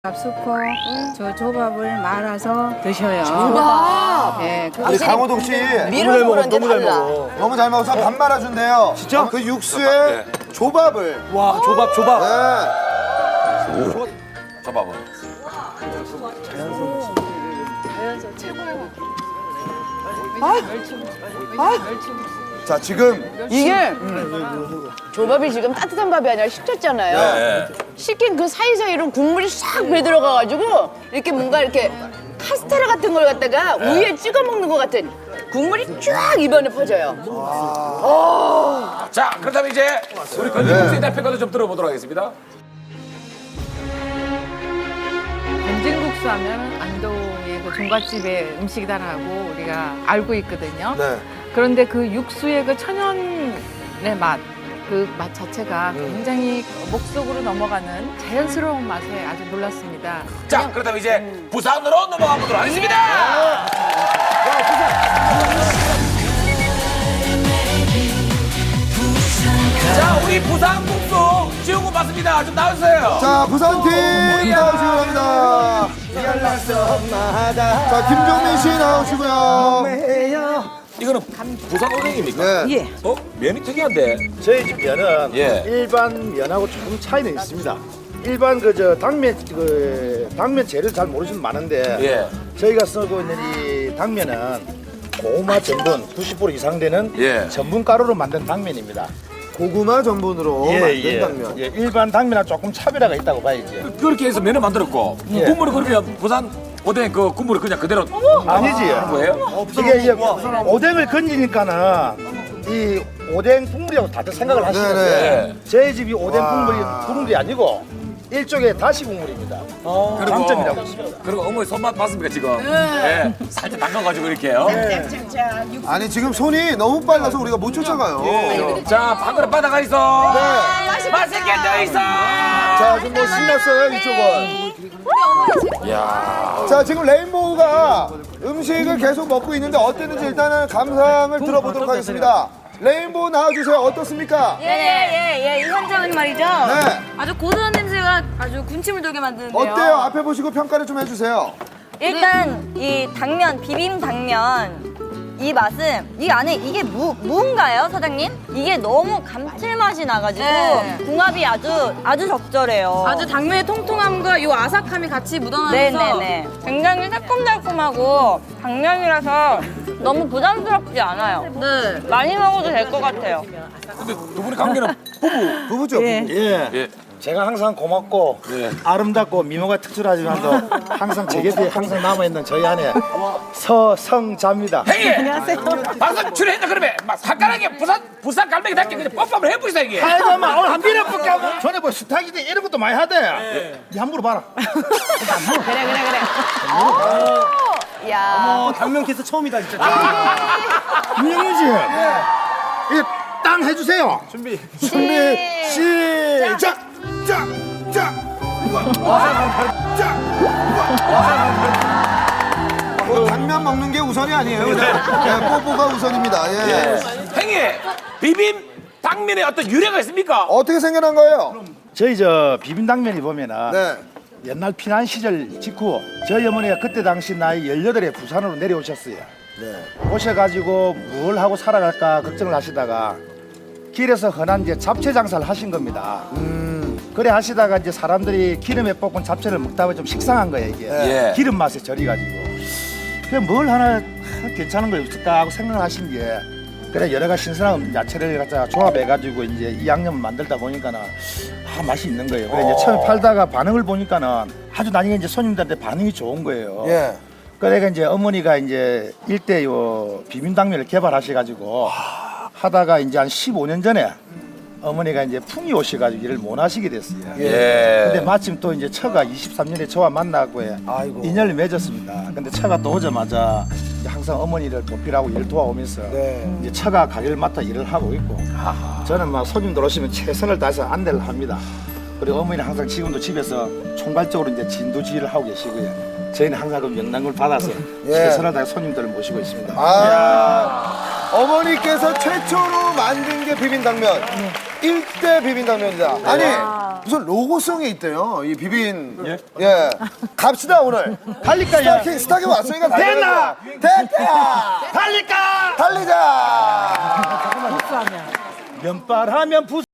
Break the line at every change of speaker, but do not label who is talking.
밥수코 저 조밥을 말아서 드셔요.
조밥!
네,
우리 강호동 씨
미로 보는데 달라.
너무 잘 먹어서 밥 말아준대요. 진짜? 그 육수에 조밥을.
와, 조밥, 조밥.
네.
조밥은.
자, 지금
이게 조밥이 지금 따뜻한 밥이 아니라 식혔잖아요.
네.
식힌 그 사이사이로 국물이 싹 배들어가가지고 이렇게 뭔가 이렇게 카스테라 같은 걸 갖다가 우유에 찍어 먹는 것 같은 국물이 쫙 입안에 퍼져요.
자, 그렇다면 이제 우리 건진국수의 대표과도 좀 들어보도록 하겠습니다.
건진국수 하면 안동의 그 종갓집의 음식이다라고 우리가 알고 있거든요.
네.
그런데 그 육수의 그 천연의 맛, 그 맛 자체가 굉장히 목속으로 넘어가는 자연스러운 맛에 아주 놀랐습니다.
자, 그렇다면 이제 부산으로 넘어가 보도록 하겠습니다. 자, 우리 부산 국수 지훈군 맞습니다. 좀 나와주세요.
자, 부산팀 나오시기 바랍니다. 자, 김종민 씨 나오시고요.
이거는 부산 오뎅입니까?
네.
어? 면이 특이한데.
저희 집 면은
예.
일반 면하고 조금 차이는 있습니다. 일반 당면 재료 잘 모르시는 분 많은데
예.
저희가 쓰고 있는 이 당면은 고구마 전분 90% 이상 되는
예.
전분 가루로 만든 당면입니다.
고구마 전분으로 만든 당면.
예, 일반 당면하고 조금 차별화가 있다고 봐야지.
그렇게 해서 면을 만들었고
예.
국물이 그러면 부산 오뎅 그 국물을 그냥 그대로
아니지.
거예요?
이게 오뎅을 건지니까는 이 오뎅 국물이라고 다들 생각을 하시는데
네.
저희 집이 오뎅 국물이 아니고 일종의 다시 국물입니다. 장점이라고 있습니다.
그리고 어머니 손맛 봤습니까 지금? 네. 살짝 담가가지고 이렇게요.
아니, 지금 손이 너무 빨라서 우리가 못 쫓아가요.
자, 방그릇 바다가 있어.
네.
맛있게 떠 있어.
자, 지금 뭐 신났어요, 이쪽은.
야,
자, 지금 레인보우가 음식을 계속 먹고 있는데 어땠는지 일단은 감상을 들어보도록 하겠습니다. 레인보우 나와주세요. 어떻습니까?
이 현장은 말이죠.
네.
아주 고소한 냄새가 아주 군침을 돌게 만드는데요.
어때요? 앞에 보시고 평가를 좀 해주세요.
일단 이 당면, 비빔 당면 이 맛은 이 안에 이게 무인가요, 사장님? 이게 너무 감칠맛이 나가지고 궁합이 아주 적절해요.
아주 당면의 통통함과 이 아삭함이 같이 묻어나면서
네네네. 굉장히 새콤달콤하고 당면이라서 너무 부담스럽지 않아요.
네.
많이 먹어도 될 것 같아요.
근데 두 분의 관계는
부부죠, 부부.
예.
예.
제가 항상 고맙고
예.
아름답고 미모가 특출하지만도 항상 제 곁에 항상 남아있는 저희 아내 서성자입니다.
행이. 안녕하세요. 방송 출연했나 그러면 막 사까라게 부산 갈매기 닮게 그냥 뽀뽀을 해보이사 이게.
아이고 마 오늘 한 비례 볼게 하고 전에 뭐 스타기대 이런 것도 많이 하대. 니 한 물어봐라.
야.
당면 키스 처음이다 진짜. 유영이지. 이게 땅 해주세요. 준비 시작.
뭐 당면 먹는 게 우선이 아니에요. 네, 뽀뽀가 우선입니다. 예.
행이 비빔 당면에 어떤 유래가 있습니까?
어떻게 생겨난 거예요?
저희 저 비빔당면이 보면은
네.
옛날 피난 시절 직후 저희 어머니가 그때 당시 나이 18에 부산으로 내려오셨어요. 오셔가지고 뭘 하고 살아갈까 걱정을 하시다가 길에서 흔한 이제 잡채 장사를 하신 겁니다. 그래 하시다가 이제 사람들이 기름에 볶은 잡채를 먹다 보니 좀 식상한 거예요 이게.
예.
기름 맛에 절이가지고. 그래 뭘 하나 괜찮은 거 없을까 하고 생각을 하신 게 그래 여러 가지 신선한 야채를 갖다가 조합해가지고 이제 이 양념을 만들다 보니까는 맛이 있는 거예요. 그래 이제 처음에 팔다가 반응을 보니까는 아주 나중에 이제 손님들한테 반응이 좋은 거예요.
예.
그래가 이제 어머니가 이제 일대 요 비빔당면을 개발하셔가지고 하다가 이제 한 15년 전에 어머니가 이제 풍이 오셔가지고 일을 못 하시게 됐어요.
예.
근데 마침 또 이제 처가 23년에 저와 만나고 인연을 맺었습니다. 근데 처가 또 오자마자 이제 항상 어머니를 보필하고 일 도와오면서 이제 처가 가게를 맡아 일을 하고 있고 저는 막 손님들 오시면 최선을 다해서 안내를 합니다. 그리고 어머니는 항상 지금도 집에서 총괄적으로 이제 진두지휘를 하고 계시고요. 저희는 항상 그 명랑을 받아서 최선을 다해 손님들을 모시고 있습니다.
어머니께서 최초로 만든 게 비빔당면. 일대 비빔당면이다. 아니, 무슨 로고송이 있대요. 이 비빔. 예. 갑시다 오늘.
달릴까요?
스타킹 왔으니까
됐나?
됐다.
달릴까?
달리자.
면발하면